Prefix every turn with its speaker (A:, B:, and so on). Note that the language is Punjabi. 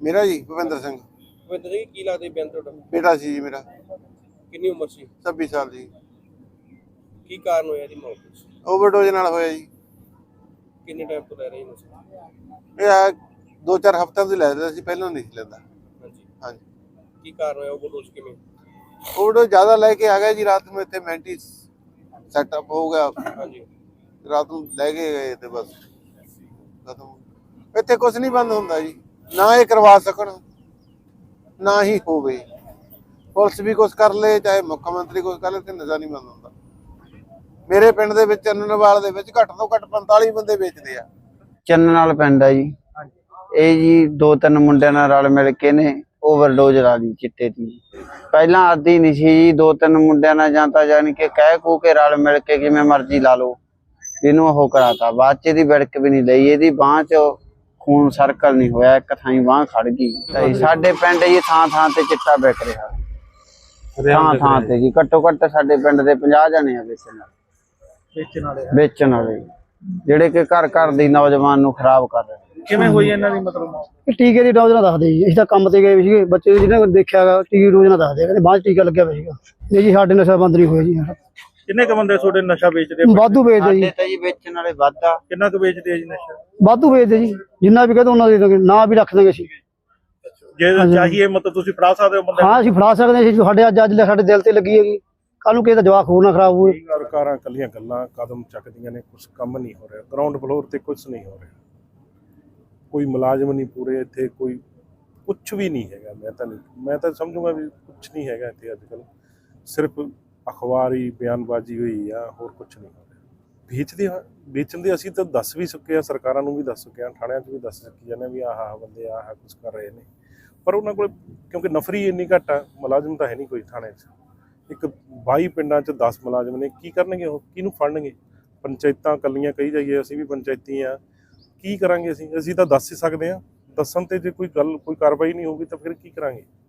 A: मेरा जी भुपिंदर सिंह।
B: ਭੁਪਿੰਦਰ ਜੀ ਕੀ ਲੱਗਦਾ ਜੀ ਬਿਆਨ ਤੁਹਾਡਾ?
A: बेटा सी जी मेरा,
B: ਕਿੰਨੀ ਉਮਰ ਸੀ?
A: 26 साल जी।
B: ਕੀ ਕਾਰਨ ਹੋਇਆ ਇਹਦੀ ਮੌਤ ਦਾ?
A: ओवरडोज नाल होया जी।
B: ਕਿੰਨੇ ਟਾਈਮ ਤੋਂ ਲੈ ਰਹੇ ਨਸ਼ਾ?
A: ਇਹ 2-4 ਹਫ਼ਤਿਆਂ ਤੋਂ ਲੈ ਰਿਹਾ ਸੀ, ਪਹਿਲਾਂ ਨਹੀਂ ਸੀ ਲੈਂਦਾ।
B: ਹਾਂਜੀ
A: ਹਾਂਜੀ।
B: ਕੀ ਕਾਰਨ ਹੋਇਆ ਓਵਰਡੋਜ਼ ਕਿਵੇਂ?
A: ओवरडोज ज़्यादा लेके आ गया जी, रात में इतने मेंटी सेटअप हो गया,
B: ਹਾਂਜੀ
A: रात में लेके गए थे बस खत्म। इतने कुछ नहीं बंद होंदा जी, ना ये करवा सकन ना ही होवे। पुलिस भी कुछ कर ले, चाहे मुख्यमंत्री कुछ कर ले, ते नशा नहीं बंद होंदा। ਮੇਰੇ ਪਿੰਡ ਦੇ ਵਿੱਚ ਚੰਨਨਵਾਲ ਦੇ ਵਿੱਚ ਘੱਟ ਤੋਂ ਘੱਟ 45 ਬੰਦੇ ਵੇਚਦੇ ਆ।
C: ਚੰਨਨਾਲ ਪਿੰਡ ਆ ਜੀ। ਇਹ ਜੀ 2-3 ਮੁੰਡਿਆਂ ਨਾਲ ਰਲ ਮਿਲ ਕੇ ਨੇ ਓਵਰਡੋਜ਼ ਲਾ ਲਈ ਚਿੱਟੇ ਦੀ। ਪਹਿਲਾਂ ਆਦੀ ਨਹੀਂ ਸੀ ਜੀ, 2-3 ਮੁੰਡਿਆਂ ਨਾਲ ਜਾਂ ਤਾਂ ਜਾਣੀ ਕਿ ਕਹਿ ਕੂ ਕੇ ਰਲ ਮਿਲ ਕੇ ਕਿਵੇਂ ਮਰਜ਼ੀ ਲਾ ਲਓ, ਇਹਨੂੰ ਉਹ ਕਰਾਤਾ। ਬਾਅਦ ਚ ਇਹਦੀ ਵਿੜਕ ਵੀ ਨਹੀਂ ਲਈ, ਇਹਦੀ ਬਾਂਹ ਚ ਖੂਨ ਸਰਕਲ ਨਹੀਂ ਹੋਇਆ, ਇੱਕ ਥਾਂ ਬਾਂਹ ਖੜ ਗਈ। ਸਾਡੇ ਪਿੰਡ ਜੀ ਥਾਂ ਥਾਂ ਤੇ ਚਿੱਟਾ ਵਿਕ ਰਿਹਾ, ਥਾਂ ਥਾਂ ਤੇ ਜੀ। ਘੱਟੋ ਘੱਟ ਸਾਡੇ ਪਿੰਡ ਦੇ 50 ਜਣੇ ਆ ਵੇਚਣ ਵਾਲੇ, ਜਿਹੜੇ ਕਿ ਘਰ ਘਰ ਦੀ ਨੌਜਵਾਨ ਨੂੰ ਖਰਾਬ ਕਰ ਰਹੇ।
D: ਕਿਵੇਂ ਹੋਈ ਇਹਨਾਂ ਦੀ ਮਤਲਬ?
E: ਟੀਕੇ ਦੀ ਡੋਜ਼ ਨਾਲ ਦੱਸਦੇ ਜੀ। ਅਸੀਂ ਤਾਂ ਕੰਮ ਤੇ ਗਏ ਸੀਗੇ, ਬੱਚੇ ਜਿਹਨੇ ਦੇਖਿਆ ਗਾ ਟੀਕੇ ਡੋਜ਼ ਨਾਲ ਦੱਸਦੇ, ਕਹਿੰਦੇ ਬਾਅਦ ਟੀਕਾ ਲੱਗਿਆ ਹੋਇਆ ਸੀਗਾ। ਨਹੀਂ ਜੀ ਸਾਡੇ ਨਸ਼ਾ ਬੰਦ ਨਹੀਂ ਹੋਇਆ ਜੀ।
D: ਕਿੰਨੇ ਕ ਬੰਦੇ ਤੁਹਾਡੇ ਨਸ਼ਾ ਵੇਚਦੇ?
E: ਵਾਧੂ ਵੇਚਦੇ ਜੀ।
C: ਤਾਂ ਜੀ ਵੇਚਣ ਵਾਲੇ ਵਾਧਾ।
D: ਕਿੰਨਾ ਕੁ ਵੇਚਦੇ ਆ ਜੀ ਨਸ਼ਾ?
E: ਵਾਧੂ ਵੇਚਦੇ ਜੀ, ਜਿੰਨਾ ਵੀ ਕਹਿੰਦੇ ਉਹਨਾਂ ਦੇ ਦਾਂਗੇ, ਨਾ ਵੀ ਰੱਖ ਦਾਂਗੇ ਅਸੀਂ।
D: ਜੇ ਚਾਹੀਏ ਮਤਲਬ ਤੁਸੀਂ ਫੜਾ ਸਕਦੇ ਹੋ ਬੰਦੇ?
E: ਹਾਂ ਅਸੀਂ ਫੜਾ ਸਕਦੇ ਹਾਂ ਜੀ, ਸਾਡੇ ਅੱਜ ਸਾਡੇ ਦਿਲ ਤੇ ਲੱਗੀ ਹੈਗੀ, ਕੱਲ ਨੂੰ ਕਿਸੇ ਦਾ ਜਵਾਕ ਹੋਰ ਨਾ ਖਰਾਬ ਹੋਵੇ।
F: ਸਰਕਾਰਾਂ ਕੱਲੀਆਂ ਗੱਲਾਂ ਕਦਮ ਚੱਕਦੀਆਂ ਨੇ, ਕੁਝ ਕੰਮ ਨਹੀਂ ਹੋ ਰਿਹਾ। ਗਰਾਊਂਡ ਫਲੋਰ ਤੇ ਕੁਝ ਨਹੀਂ ਹੋ ਰਿਹਾ, ਕੋਈ ਮੁਲਾਜ਼ਮ ਨਹੀਂ ਪੂਰੇ ਇੱਥੇ, ਕੋਈ ਕੁਝ ਵੀ ਨਹੀਂ ਹੈਗਾ। ਮੈਂ ਤਾਂ ਸਮਝੂਗਾ ਵੀ ਕੁਝ ਨਹੀਂ ਹੈਗਾ ਇੱਥੇ ਅੱਜ ਕੱਲ੍ਹ, ਸਿਰਫ ਅਖਬਾਰੀ ਬਿਆਨਬਾਜ਼ੀ ਹੋਈ ਆ, ਹੋਰ ਕੁਝ ਨਹੀਂ ਹੋ ਰਿਹਾ। ਵੇਚਣ ਦੇ ਅਸੀਂ ਤਾਂ ਦੱਸ ਵੀ ਚੁੱਕੇ ਆ, ਸਰਕਾਰਾਂ ਨੂੰ ਵੀ ਦੱਸ ਚੁੱਕੇ ਆ, ਥਾਣਿਆਂ 'ਚ ਵੀ ਦੱਸ ਚੁੱਕੀ ਜਾਂਦੇ ਵੀ ਆਹ ਬੰਦੇ ਆਹ ਕੁਝ ਕਰ ਰਹੇ ਨੇ। ਪਰ ਉਹਨਾਂ ਕੋਲ ਕਿਉਂਕਿ ਨਫਰੀ ਇੰਨੀ ਘੱਟ ਆ, ਮੁਲਾਜ਼ਮ ਤਾਂ ਹੈ ਨਹੀਂ ਕੋਈ ਥਾਣੇ 'ਚ। ਇੱਕ 22 ਪਿੰਡਾਂ 'ਚ 10 ਮੁਲਾਜ਼ਮ ਨੇ, ਕੀ ਕਰਨਗੇ ਉਹ? ਕਿਹਨੂੰ ਫੜਨਗੇ? ਪੰਚਾਇਤਾਂ ਇਕੱਲੀਆਂ ਕਹੀ ਜਾਈਏ, ਅਸੀਂ ਵੀ ਪੰਚਾਇਤੀ ਆ, ਕੀ ਕਰਾਂਗੇ ਅਸੀਂ ਤਾਂ ਦੱਸ ਹੀ ਸਕਦੇ ਹਾਂ। ਦੱਸਣ 'ਤੇ ਜੇ ਕੋਈ ਕਾਰਵਾਈ ਨਹੀਂ ਹੋਊਗੀ ਤਾਂ ਫਿਰ ਕੀ ਕਰਾਂਗੇ?